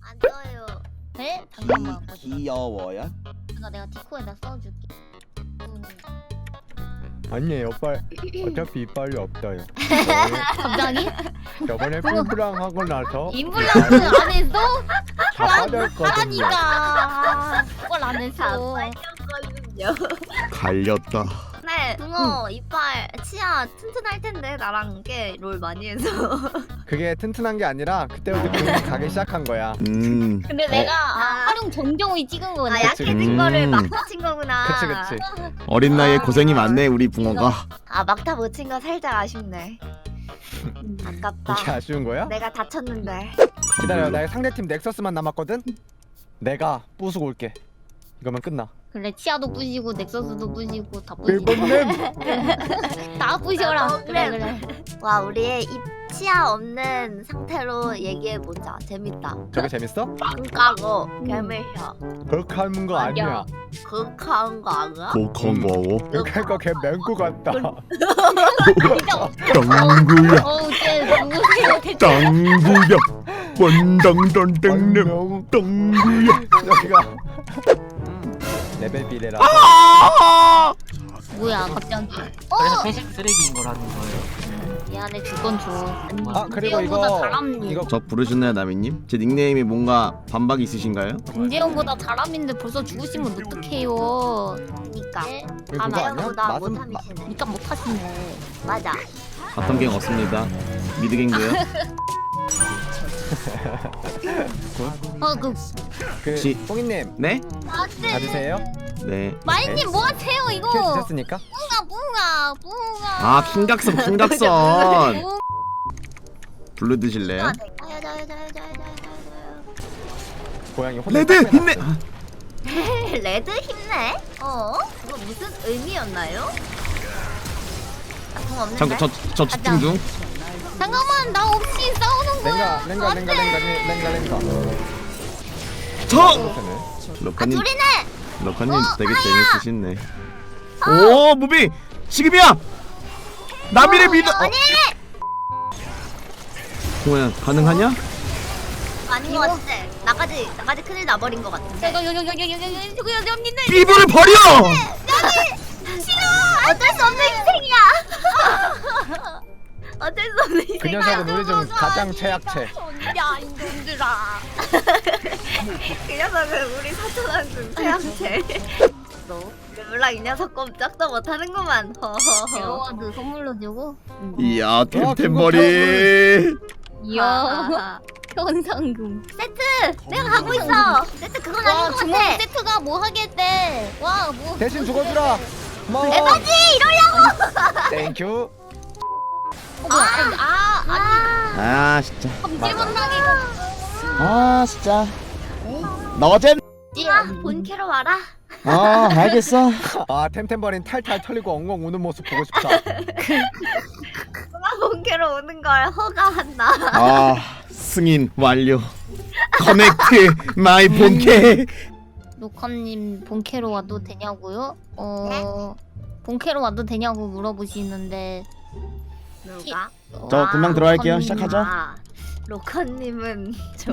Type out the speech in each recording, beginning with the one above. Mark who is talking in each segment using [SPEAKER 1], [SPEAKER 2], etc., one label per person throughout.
[SPEAKER 1] 안 떠요.
[SPEAKER 2] 네? 잠깐만.
[SPEAKER 3] 귀여워요?
[SPEAKER 2] 내가 디코에다 써줄게.
[SPEAKER 4] 아니에요 빨 어차피 이빨이 없어요.
[SPEAKER 2] 갑자기?
[SPEAKER 4] 저번에 뿔뿔랑 하고 나서
[SPEAKER 2] 임플란트 안 했어?
[SPEAKER 4] 다 빠졌거든요.
[SPEAKER 2] 하라니까. 그걸 안 했어.
[SPEAKER 1] 빨렸거든요.
[SPEAKER 3] 갈렸다.
[SPEAKER 1] 네, 붕어 이빨 치아 튼튼할 텐데 나랑 꽤 롤 많이 해서.
[SPEAKER 4] 그게 튼튼한 게 아니라 그때부터 근육이 가기 시작한 거야.
[SPEAKER 2] 근데 내가
[SPEAKER 1] 아.
[SPEAKER 2] 활용 정정이 찍은 거네.
[SPEAKER 1] 약해진 거를 막타 친 거구나.
[SPEAKER 4] 그치.
[SPEAKER 3] 어린 나이에 고생이 많네 우리 붕어가.
[SPEAKER 1] 아 막타 못 친 거 살짝 아쉽네. 아깝다.
[SPEAKER 4] 이게 아쉬운 거야?
[SPEAKER 1] 내가 다쳤는데.
[SPEAKER 4] 기다려, 나 상대팀 넥서스만 남았거든? 내가 부수고 올게. 이거면 끝나.
[SPEAKER 2] 그래 치아도 부시고 넥서스도 부시고 다 부시고
[SPEAKER 4] 빌번님!
[SPEAKER 2] 다 부셔라.
[SPEAKER 1] 그래.
[SPEAKER 2] 그래.
[SPEAKER 1] 와 우리의 입 치아 없는 상태로 얘기해보자. 재밌다.
[SPEAKER 4] 저게 재밌어?
[SPEAKER 1] 빵까고 개매셔.
[SPEAKER 4] 그렇게 하는 거 아니야.
[SPEAKER 1] 극한 거 아니야?
[SPEAKER 3] 독한 거고.
[SPEAKER 4] 그렇게 하니까 걔 맹구 같다.
[SPEAKER 3] 땅구야
[SPEAKER 2] 어우 쟤 누구세요? 대체.
[SPEAKER 3] 땅구야 원당당당당 땅구야.
[SPEAKER 4] 여기가 레벨 비례라.
[SPEAKER 2] 뭐야 갑자기.
[SPEAKER 5] 그래서 회식 쓰레기인 거라는 거예요.
[SPEAKER 2] 미안해 주건 줘.
[SPEAKER 4] 아 그리고
[SPEAKER 2] 김재용보다
[SPEAKER 4] 이거
[SPEAKER 2] 잘합니다.
[SPEAKER 4] 이거
[SPEAKER 3] 저 부르셨나요 나미님? 제 닉네임이 뭔가 반박이 있으신가요?
[SPEAKER 2] 김재용보다 잘함인데 벌써 죽으시면 어떡해요.
[SPEAKER 1] 그니까.
[SPEAKER 2] 네?
[SPEAKER 4] 그거
[SPEAKER 2] 아,
[SPEAKER 4] 아니야?
[SPEAKER 1] 나보다
[SPEAKER 4] 맛은
[SPEAKER 1] 못함이시네.
[SPEAKER 2] 그러니까 못하시네.
[SPEAKER 1] 맞아.
[SPEAKER 3] 바텀 갱 없습니다. 미드 갱도요.
[SPEAKER 2] 그
[SPEAKER 4] 그
[SPEAKER 3] 지-
[SPEAKER 4] 뽕이님
[SPEAKER 3] 네?
[SPEAKER 4] 받으세요?
[SPEAKER 3] 네.
[SPEAKER 2] 마이님 뭐 하세요
[SPEAKER 4] 킬
[SPEAKER 2] 이거?
[SPEAKER 4] 드셨으니까?
[SPEAKER 2] 뿡아.
[SPEAKER 3] 아 킹각선 킹각선. 블루 드실래요?
[SPEAKER 4] 고양이 혼자
[SPEAKER 3] 레드
[SPEAKER 4] 딱
[SPEAKER 3] 힘내.
[SPEAKER 4] 빼놨어.
[SPEAKER 1] 레드 힘내? 그거 무슨 의미였나요? 나통 없는데?
[SPEAKER 3] 잠깐 저 집중 중.
[SPEAKER 2] 잠깐만 나 없이 싸우는 거야.
[SPEAKER 4] 랭가.
[SPEAKER 3] 저
[SPEAKER 4] 그렇다네.
[SPEAKER 3] 러커님
[SPEAKER 1] 둘이네!
[SPEAKER 3] 러커님 되게 재밌으시네. 오 무비 지금이야. 나미를 믿어.
[SPEAKER 1] 아니!
[SPEAKER 3] 동호야 가능하냐?
[SPEAKER 1] 아닌 것 같아. 나까지 큰일 나버린 것 같은데.
[SPEAKER 3] 비브를 버려.
[SPEAKER 1] 어쩔 수 없는 희생이야! 어쩔 수 없는 희생이야.
[SPEAKER 4] 그 녀석은 우리 중 가장 최약체.
[SPEAKER 2] 야 이놈들아.
[SPEAKER 1] 그 녀석은 우리 사촌한 중 최약체. 너 르블랑 이 녀석 꼼짝도 못하는구만. 허허허.
[SPEAKER 2] 에어와드 선물로 주고.
[SPEAKER 3] 이야 템템머리.
[SPEAKER 2] 이야
[SPEAKER 1] 아하.
[SPEAKER 2] 현상금.
[SPEAKER 1] 세트! 내가 가고 있어! 세트 그건 아닌 것
[SPEAKER 2] 주먹
[SPEAKER 1] 같아!
[SPEAKER 2] 세트가 뭐 하겠대. 와 뭐.
[SPEAKER 4] 대신 죽어주라. 고마워.
[SPEAKER 1] 에바지! 이러려고!
[SPEAKER 4] 땡큐.
[SPEAKER 1] 아니.
[SPEAKER 3] 아 진짜.
[SPEAKER 2] 일본 당이.
[SPEAKER 3] 아 진짜. 너잼.
[SPEAKER 1] 본캐로 와라.
[SPEAKER 3] 아 알겠어.
[SPEAKER 4] 아 템템버린 탈탈 털리고 엉엉 우는 모습 보고 싶다.
[SPEAKER 1] 누가 본캐로 오는 걸 허가한다.
[SPEAKER 3] 아 승인 완료. 커넥트 마이 본캐.
[SPEAKER 2] 노컴님 본캐로 와도 되냐고요? 본캐로 와도 되냐고 물어보시는데.
[SPEAKER 1] 누가?
[SPEAKER 3] 저 금방 들어갈게요.
[SPEAKER 2] 로커님.
[SPEAKER 3] 시작하죠.
[SPEAKER 1] 아, 로커님은 좀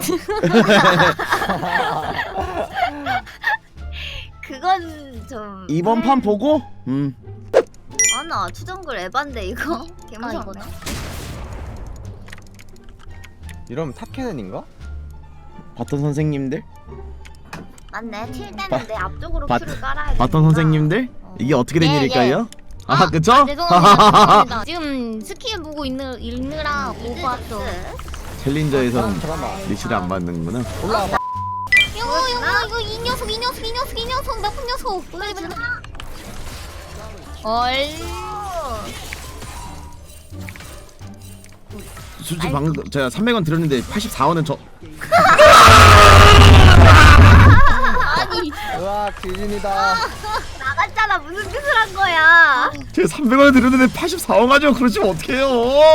[SPEAKER 1] 그건 좀
[SPEAKER 3] 이번 판 보고
[SPEAKER 1] 아나 추정글 에반데 이거 개무섭네.
[SPEAKER 2] 이거다.
[SPEAKER 4] 이러면 탑캐넨인가?
[SPEAKER 3] 바톤 선생님들
[SPEAKER 1] 맞네. 틸 때는 내 앞쪽으로
[SPEAKER 3] 바-
[SPEAKER 1] 큐를 깔아야
[SPEAKER 3] 바톤 선생님들 이게 어떻게 된
[SPEAKER 2] 예,
[SPEAKER 3] 일일까요? 아
[SPEAKER 2] 아,
[SPEAKER 3] 그쵸?
[SPEAKER 2] 죄송합니다. 지금 스킬 보고 읽느라 못 봤어.
[SPEAKER 3] 챌린저에선
[SPEAKER 4] 잠깐만.
[SPEAKER 3] 리치를 안 받는구나.
[SPEAKER 4] 올라와봐.
[SPEAKER 2] 이거 이 녀석 나쁜 녀석. 얼.
[SPEAKER 3] 솔직히 방금 제가 300원 드렸는데 84원은 저
[SPEAKER 2] 아니
[SPEAKER 4] 으악 지진이다.
[SPEAKER 1] 나갔잖아. 무슨 짓을 한 거야?
[SPEAKER 3] 제가 300원 드렸는데 84원 가지고 그러시면 어떡해요?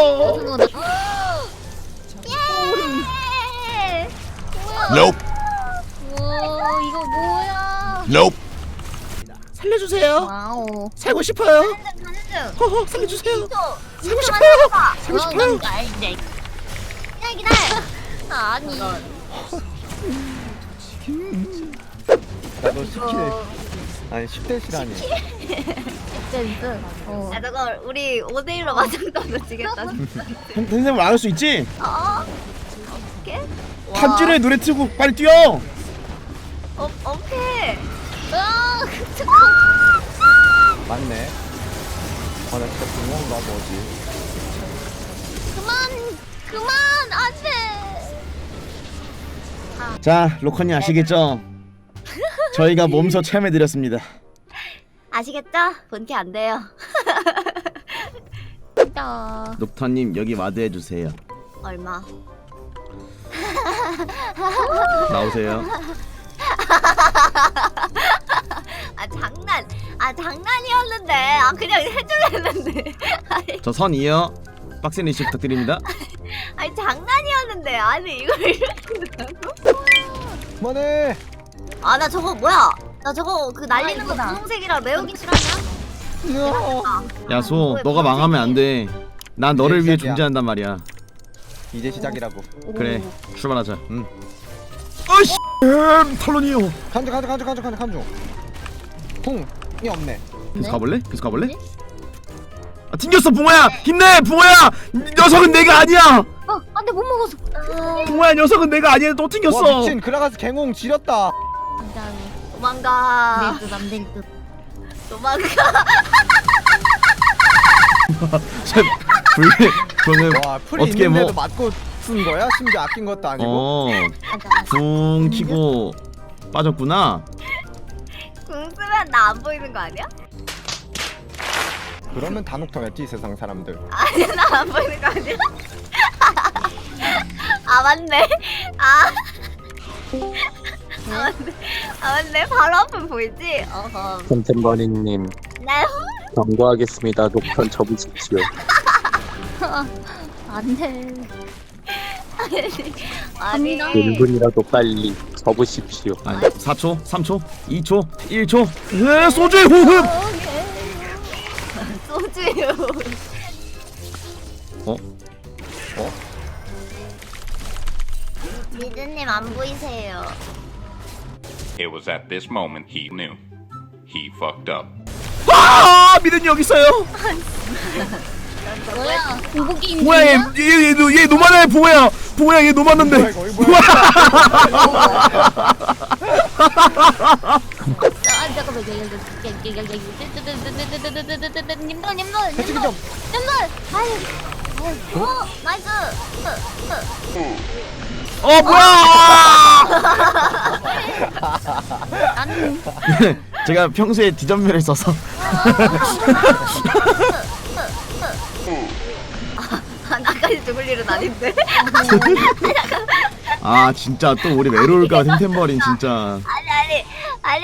[SPEAKER 1] 예!
[SPEAKER 3] Nope.
[SPEAKER 2] 와 이거 뭐야?
[SPEAKER 3] Nope. 살려주세요.
[SPEAKER 2] 와우.
[SPEAKER 3] 살고 싶어요.
[SPEAKER 1] 가는 중.
[SPEAKER 3] 허허 살려주세요.
[SPEAKER 1] 살고
[SPEAKER 3] 싶어요. 살고 싶어요.
[SPEAKER 2] 알지.
[SPEAKER 1] 기다려.
[SPEAKER 2] 아니
[SPEAKER 4] 나도 10킬 아니 10대 실하니.
[SPEAKER 2] 센스. 어.
[SPEAKER 1] 아 저거 우리 5대1로 맞짱떠도 지겠다 진짜.
[SPEAKER 3] 텐텐볼 안 할 수 있지?
[SPEAKER 1] 오케이?
[SPEAKER 3] 탄주로의 노래 틀고 빨리 뛰어.
[SPEAKER 1] 오케이.
[SPEAKER 2] 으아,
[SPEAKER 4] 맞네. 나 진짜 붕어인가 뭐지.
[SPEAKER 2] 그만 안돼.
[SPEAKER 3] 자, 로컨이 아시겠죠? 저희가 몸소 체험해드렸습니다.
[SPEAKER 1] 아시겠죠? 본티 안 돼요.
[SPEAKER 2] 진짜.
[SPEAKER 3] 녹턴님 여기 와드 해주세요.
[SPEAKER 1] 얼마?
[SPEAKER 3] 나오세요.
[SPEAKER 1] 장난이었는데. 그냥 해줄랬는데.
[SPEAKER 3] 저 선이요. 빡센 리시 부탁드립니다.
[SPEAKER 1] 아니 장난이었는데. 아니 이걸 이렇게 한다고?
[SPEAKER 4] 그만해.
[SPEAKER 1] 나 저거 뭐야? 나 저거 그 날리는 거
[SPEAKER 2] 이거다.
[SPEAKER 1] 분홍색이라 매우기 싫어하냐?
[SPEAKER 3] 야소, 너가 망하면 안 돼. 난 너를
[SPEAKER 4] 이제
[SPEAKER 3] 위해
[SPEAKER 4] 시작이야.
[SPEAKER 3] 존재한단 말이야.
[SPEAKER 4] 이제 시작이라고.
[SPEAKER 3] 그래, 출발하자. 어이씨, 탈론이요.
[SPEAKER 4] 간중. 붕이 없네.
[SPEAKER 3] 계속 가볼래? 계속 가볼래? 아, 튕겼어, 붕어야. 힘내, 붕어야. 녀석은 내가 아니야.
[SPEAKER 2] 안돼 못 먹었어.
[SPEAKER 3] 붕어야, 녀석은 내가 아니야. 또
[SPEAKER 4] 와
[SPEAKER 3] 튕겼어.
[SPEAKER 4] 미친 그라가스 갱홍 지렸다.
[SPEAKER 2] 진짜
[SPEAKER 1] 도망가.
[SPEAKER 2] 안될 듯 안될 듯.
[SPEAKER 1] 도망가.
[SPEAKER 3] 그거는
[SPEAKER 4] 와 풀이
[SPEAKER 3] 어떻게
[SPEAKER 4] 있는데도
[SPEAKER 3] 뭐
[SPEAKER 4] 맞고 쓴 거야? 심지어 아낀 것도 아니고.
[SPEAKER 3] 붕 키고 빠졌구나.
[SPEAKER 1] 궁 쓰면 나 안 보이는 거 아니야?
[SPEAKER 4] 그러면 다 녹턴했지 세상 사람들.
[SPEAKER 1] 아니 나 안 보이는 거 아니야? 맞네. 맞네. 바로 앞은 보이지? 어허.
[SPEAKER 6] 템템버니님
[SPEAKER 1] 네.
[SPEAKER 6] 경고하겠습니다. 녹턴 접으십시오.
[SPEAKER 2] 안돼.
[SPEAKER 1] 아니.
[SPEAKER 2] 갑니다.
[SPEAKER 6] 1분이라도 빨리 접으십시오.
[SPEAKER 3] 아니, 4초, 3초, 2초, 1초. 소주의 호흡.
[SPEAKER 1] 소주요. 미드님 안 보이세요?
[SPEAKER 7] It was at this moment he knew. He fucked up.
[SPEAKER 3] 미련이 여기 있어요.
[SPEAKER 2] 뭐야? 공복이 있는
[SPEAKER 3] 뭐야, 얘 노만해, 붕어야. 붕어야, 얘 노만한데.
[SPEAKER 4] 뭐야 이거 뭐야?
[SPEAKER 2] 잠깐만. 님들.
[SPEAKER 4] 해치기 좀.
[SPEAKER 1] 나이스.
[SPEAKER 3] 뭐야.
[SPEAKER 2] 나는
[SPEAKER 3] 제가 평소에 디전멸을 써서.
[SPEAKER 1] 나까지 죽을 일은 아닌데.
[SPEAKER 3] 진짜 또 우리 외로울까 템템버린 진짜.
[SPEAKER 1] 아니.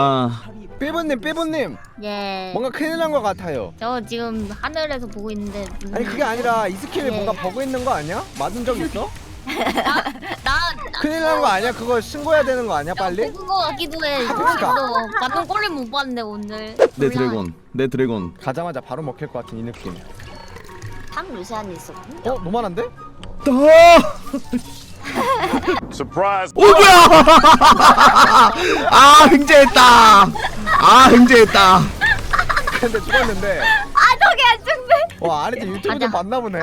[SPEAKER 4] 삐부님
[SPEAKER 2] 예.
[SPEAKER 4] 뭔가 큰일 난 것 같아요.
[SPEAKER 2] 저 지금 하늘에서 보고 있는데.
[SPEAKER 4] 아니 그게 아니라 이 스킬에
[SPEAKER 2] 예.
[SPEAKER 4] 뭔가 버그 있는 거 아니야? 맞은 적 있어?
[SPEAKER 2] 나
[SPEAKER 4] 큰일 난 거 아니야? 그거 신고해야 되는 거 아니야 빨리?
[SPEAKER 2] 그거 같기도 해.
[SPEAKER 4] 그러니까.
[SPEAKER 2] 나쁜 꼴을 못 봤네 오늘.
[SPEAKER 3] 내 드래곤.
[SPEAKER 4] 가자마자 바로 먹힐 것 같은 이 느낌.
[SPEAKER 1] 탕 루시안이 있었군요.
[SPEAKER 4] 노만한데?
[SPEAKER 7] Surprise!
[SPEAKER 3] 뭐야. 횡재했다.
[SPEAKER 4] 근데 죽었는데.
[SPEAKER 1] 저게 안 죽네.
[SPEAKER 4] 와 아래쪽 유튜브 좀
[SPEAKER 2] 가자.
[SPEAKER 4] 봤나 보네.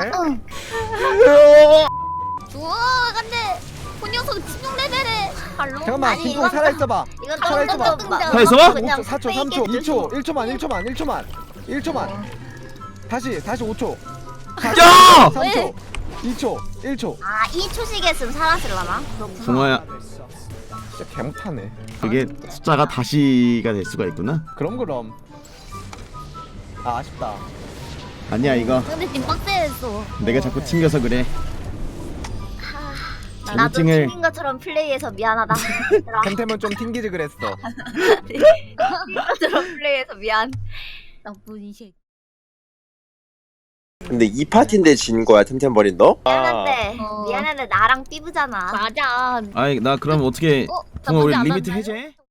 [SPEAKER 2] 우와 근데 그 녀석 집중 레벨에 발로.
[SPEAKER 4] 잠깐만
[SPEAKER 1] 아니,
[SPEAKER 4] 김풍
[SPEAKER 1] 이건
[SPEAKER 4] 살아있어봐.
[SPEAKER 1] 이건
[SPEAKER 4] 살아있어봐.
[SPEAKER 3] 살아있어봐?
[SPEAKER 4] 5초 4초 3초 2초 1초만 다시 5초
[SPEAKER 3] 야!
[SPEAKER 4] 3초 2초 1초
[SPEAKER 1] 2초씩 했으면 살았을라나? 그렇구나.
[SPEAKER 3] 붕어야,
[SPEAKER 4] 진짜 개못하네.
[SPEAKER 3] 그게 숫자가 다시가 될 수가 있구나.
[SPEAKER 4] 그럼 아쉽다.
[SPEAKER 3] 아니야, 이거
[SPEAKER 2] 근데 지금 빡세했어.
[SPEAKER 3] 내가 자꾸 튕겨서 그래.
[SPEAKER 1] 나도
[SPEAKER 3] 자격증을
[SPEAKER 1] 튕긴 것처럼 플레이해서 미안하다.
[SPEAKER 4] 템템은 좀 튕기지 그랬어.
[SPEAKER 1] 튕긴 것처럼 플레이해서 미안.
[SPEAKER 2] 나쁜 이 새끼.
[SPEAKER 8] 근데 이 파티인데 진 거야 템템버린 너?
[SPEAKER 1] 미안한데 나랑 삐부잖아.
[SPEAKER 2] 맞아.
[SPEAKER 3] 나 그럼 어떻게 붕어 우리
[SPEAKER 2] 나쁘지
[SPEAKER 3] 리미트
[SPEAKER 2] 않았나요?
[SPEAKER 3] 해제?